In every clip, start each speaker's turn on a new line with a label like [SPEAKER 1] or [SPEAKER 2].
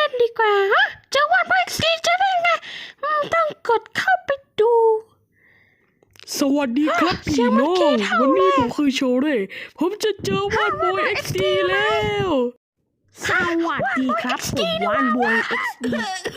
[SPEAKER 1] กันดีกว่าเจอวันเอ็กซ์ดีจะได้ไงต้องกดเข้าไปดู
[SPEAKER 2] สวัสดีครับพี่น้องวันนี้ผมคือโชเร่ผมจะเจอวานบอยเอ็กซ์ดีแล้ว
[SPEAKER 1] สวัสดีครับผมวานบอยเอ็กซ์ดี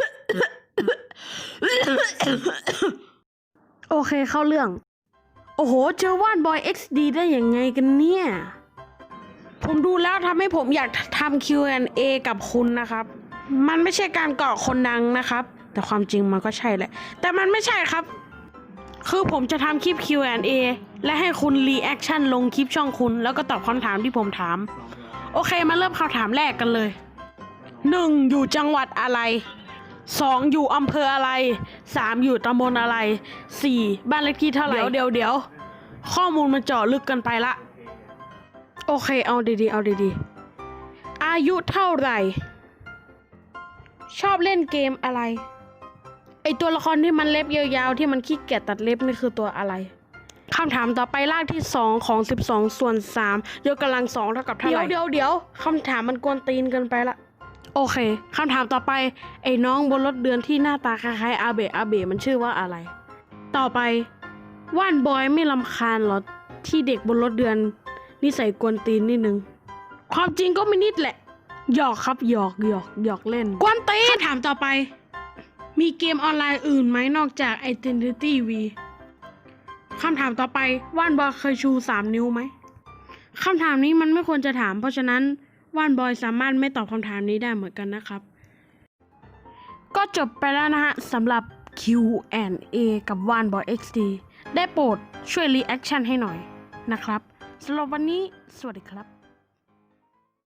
[SPEAKER 1] โอเคเข้าเรื่องโอ้โหเจอวานบอยเอ็กซ์ดีได้ยังไงกันเนี่ยผมดูแล้วทำให้ผมอยากทำ Q&A กับคุณนะครับมันไม่ใช่การเกาะคนดังนะครับแต่ความจริงมันก็ใช่แหละแต่มันไม่ใช่ครับคือผมจะทำคลิป Q&A และให้คุณรีแอคชั่นลงคลิปช่องคุณแล้วก็ตอบคำถามที่ผมถามโอเคมาเริ่มคำถามแรกกันเลย 1. อยู่จังหวัดอะไร 2. อยู่อำเภออะไร 3. อยู่ตำบลอะไร 4. บ้านเลขที่เท่าไหร่เดี๋ยวข้อมูลมันเจาะลึกกันไปละโอเคเอาดีๆอายุเท่าไหร่ชอบเล่นเกมอะไรไอตัวละครที่มันเล็บยาวๆที่มันขี้เกียจตัดเล็บนี่คือตัวอะไรคำถามต่อไปรากที่2ของ12ส่วน3ยกกำลัง2เท่ากับเท่าไหร่เดี๋ยวคำถามมันกวนตีนเกินไปละโอเคคำถามต่อไปไอ้น้องบนรถเดือนที่หน้าตาคล้ายๆอาเบะมันชื่อว่าอะไรต่อไปว่านบอยไม่รำคาญหรอที่เด็กบนรถเดือนนิสัยกวนตีนนิดนึงความจริงก็ไม่นิดแหละหยอกครับหยอกเล่นกวนตีนคำถามต่อไปมีเกมออนไลน์อื่นไหมนอกจาก Identity V คำถามต่อไปว่านบอยเคยชู3 นิ้วไหมคำถามนี้มันไม่ควรจะถามเพราะฉะนั้นว่านบอยสามารถไม่ตอบคำถามนี้ได้เหมือนกันนะครับก็จบไปแล้วนะฮะสำหรับ Q&A กับว่านบอย XD ได้โปรดช่วยรีแอคชั่นให้หน่อยนะครับสำหรับวันนี้สวัสดีครับ